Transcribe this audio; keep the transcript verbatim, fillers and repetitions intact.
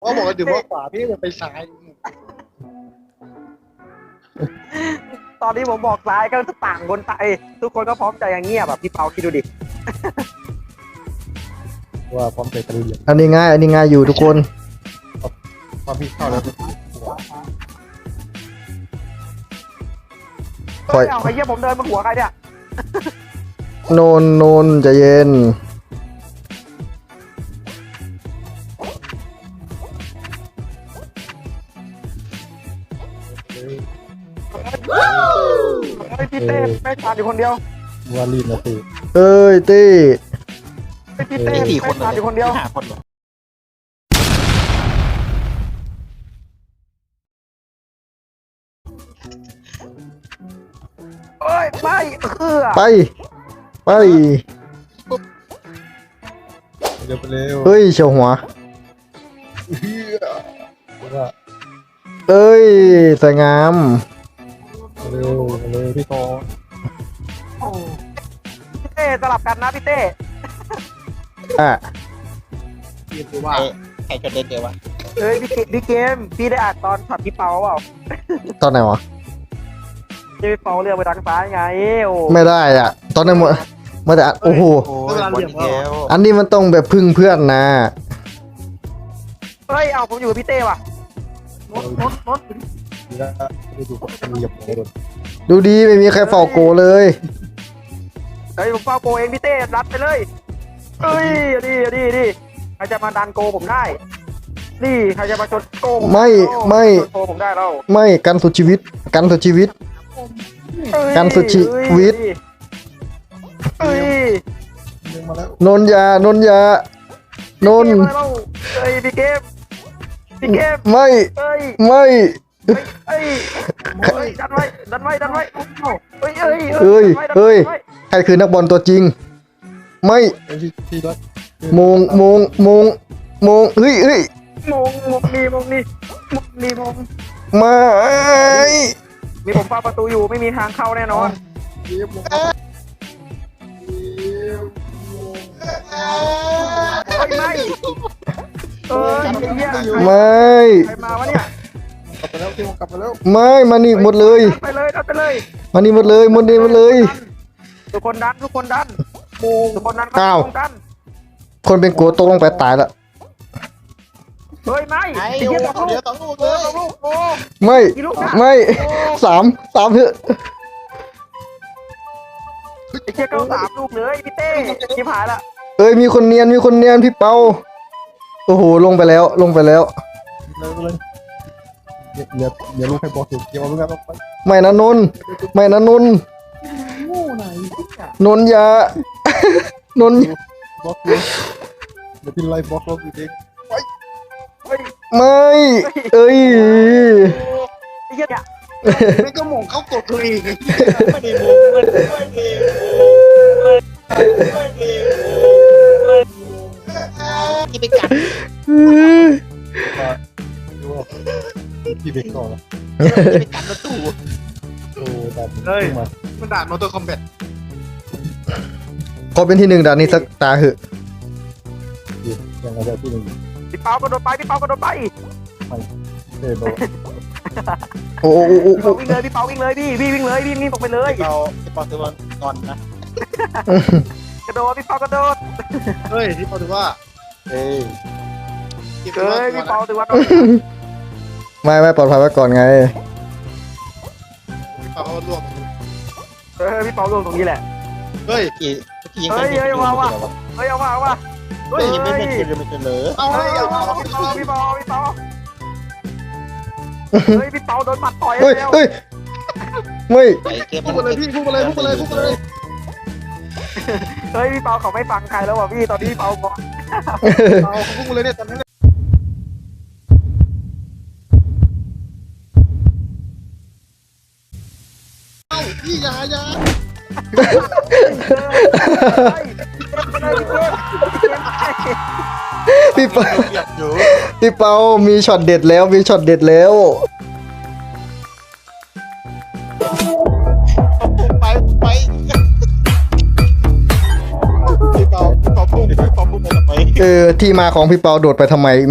ก็บอกว่าดื่มว่าขวาพี่จะไปซ้ายตอนนี้ผมบอกซ้ายก็ต่างคนต่างเอ้ยทุกคนก็พร้อมใจอย่างเงียบแบบพี่เปาคิดดูดิว่าพร้อมใจตะลุยอันนี้ง่ายอันนี้ง่ายอยู่ทุกคนพอพี่เข้าแล้วปล่อยเฮ้ยเอาไอ้เหี้ยผมเดินบนหัวใครเนี่ยโนนโนนใจะเย็นเฮ้ยพี่เต้แม่งขาดอยู่คนเดียววาลีนนะพี่เอ้ยตี้เฮ้ยพี่เต้กี่คนแม่งขาดอยู่คนเดียวห้าคนเหรอเอ้ยไม่เออไปไปเร็วไปเร็วเฮ้ยเฉียวหัวว่าเอ้ยสวยงามเร็วเร็วพี่กอพี่เต้สลับกันนะพี่เต้อ่ะพี่คือว่าใครใครจะเล่นเดียววะเฮ้ยพี่เกพี่เกมพี่ได้อ่านตอนช็อตพี่เปาเปล่าตอนไหนวะที่พี่เปาเรียกไปทางซ้ายไงโอ้ไม่ได้อ่ะ ตอนนั้นหมดมาแต่โอ้โหโอ้ยบอลอีกแล้วอันนี้มันต้องแบบพึ่งเพื่อนนะเฮ้ยเอาผมอยู่กับพี่เต้ว่ะนดนดนดดีแล้วดูดูดูหยับหัวโดนดูดีไม่มีใครเฝ้าโกเลยเฮ้ยผมเฝ้าโกเองพี่เต้รัดไปเลยเฮ้ยดีดีดีใครจะมาดันโกผมได้นี่ใครจะมาชนโกผมไม่ไม่ชนโกผมได้แล้วไม่กันสุดชีวิต กันสุดชีวิตเฮ้ยการสุดชีวิตเฮ้ยดึงมาแล้วนนยานนยานนพี่เกมมาแล้วเฮ้ยพี่เกมพี่เกมไม่เฮ้ยไม่เฮ้ยเฮ้ยดันไว้ดันไว้ดันไว้เฮ้ยเฮ้ยเฮ้ยดันไว้ดันไว้เฮ้ย ใครคือนักบอลตัวจริง ไม่พี่พี่ด้วยมงมงมงมงเฮ้ยเฮ้ยมงมงนี่มงนี่มงนี่มงไม่มีผมเฝ้าประตูอยู่ไม่มีทางเข้าแน่นอนเยี่ยมเฮ้ยไม่เออไอ้เหี้ยไม่ใครมาวะเนี่ยกลับไปแล้วพี่กลับไปแล้วไม่มานี่หมดเลยไปเลยดันไปเลยมานี่หมดเลยหมดนี่หมดเลยทุกคนดันทุกคนดันทุกคนดันอ้าวทุกคนดันคนเป็นโกตกลงไปตายละเฮ้ยไม่ไอ้ไอ้โอ้เหี้ยสองเดี๋ลูยวกสองลูกเอเลอย สองลูกโอ้ไม่กี่ลูกนะไม่สามสามเถอะไอ้เหี้ยเก้าสามลูกเลยพี่เต้ชิบหายละเอ้ยมีคนเนียนมีคนเนียนพี่เปาโอ้โหลงไปแล้วลงไปแล้วเร็วเลยเดี๋ยวเดี๋ยวเดี๋ยวลูกให้บอสถูกเกี่ยวลูกกันไปไม่นะนนท์ไม่นะนนท์งูไหนนนท์อยานนท์บอสเลยเดี๋ยวพี่ไล่บอสลงอีกเองเฮ้ยไม่เอ้ยไอ้เหี้ยเนี่ยไม่ก็หม่งเข้ากดตัวเองไม่ได้มุกมันไม่ได้มุกไม่ได้มุกที่ไปกัดดูว่าพี่เบรกก่อนนะที่ไปกัดประตูโอ้ดันเฮ้ยมันด่านมอเตอร์คอมแบทขอเป็นที่หนึ่งด่านนี้สักตาเหอะยังไงได้ที่หนึ่งพี่เปากระโดดไปพี่เปากระโดดไปเฮ้ยโดนโอ้โอ้โอ้โอ้พี่เปาวิ่งเลยพี่เปาวิ่งเลยพี่พี่วิ่งเลยพี่วิ่งตรงไปเลยเราจะปอตัวก่อนนะกระโดดพี่เปากระโดดเฮ้ยที่พอถือว่าเฮ้ยเฮ้ยพี่เปาถือว่าไม่ไม่ปลอดภัยไว้ก่อนไงพี่เปาเขาลวกเออพี่เปาลงตรงนี้แหละเฮ้ยกี่กี่ยังเฮ้ยเฮ้ยว่าว่ะ เฮ้ยเอามาเอามาเฮ้ยยังไม่เฮ้ยเป็นไม่เป็นเลยเอาเฮ้ยเอาเอาเอามาพี่เปาพี่เปาพี่เปาเฮ้ยพี่เปาโดนหมัดต่อยเฮ้ยแล้วเฮ้ยไม่ไอ้เกมพูดมาเลยพี่พูดมาเลยพูดมาเลยพูดมาเลยเฮ้ยพี่เปาเขาไม่ฟังใครแล้วว่ะพี่ตอนนี้พี่เปาบอกเอาเขาพูดมาเลยเนี่ยตอนนี้เอ้าพี่ยายาพี่เปาอยากอยู่พี่เปามีช็อตเด็ดแล้วมีช็อตเด็ดแล้วไปไปพี่เปาพี่เปาพุ่งพี่เปาพุ่งไปทำไมเออที่มาของพี่เปาโดดไปทำไม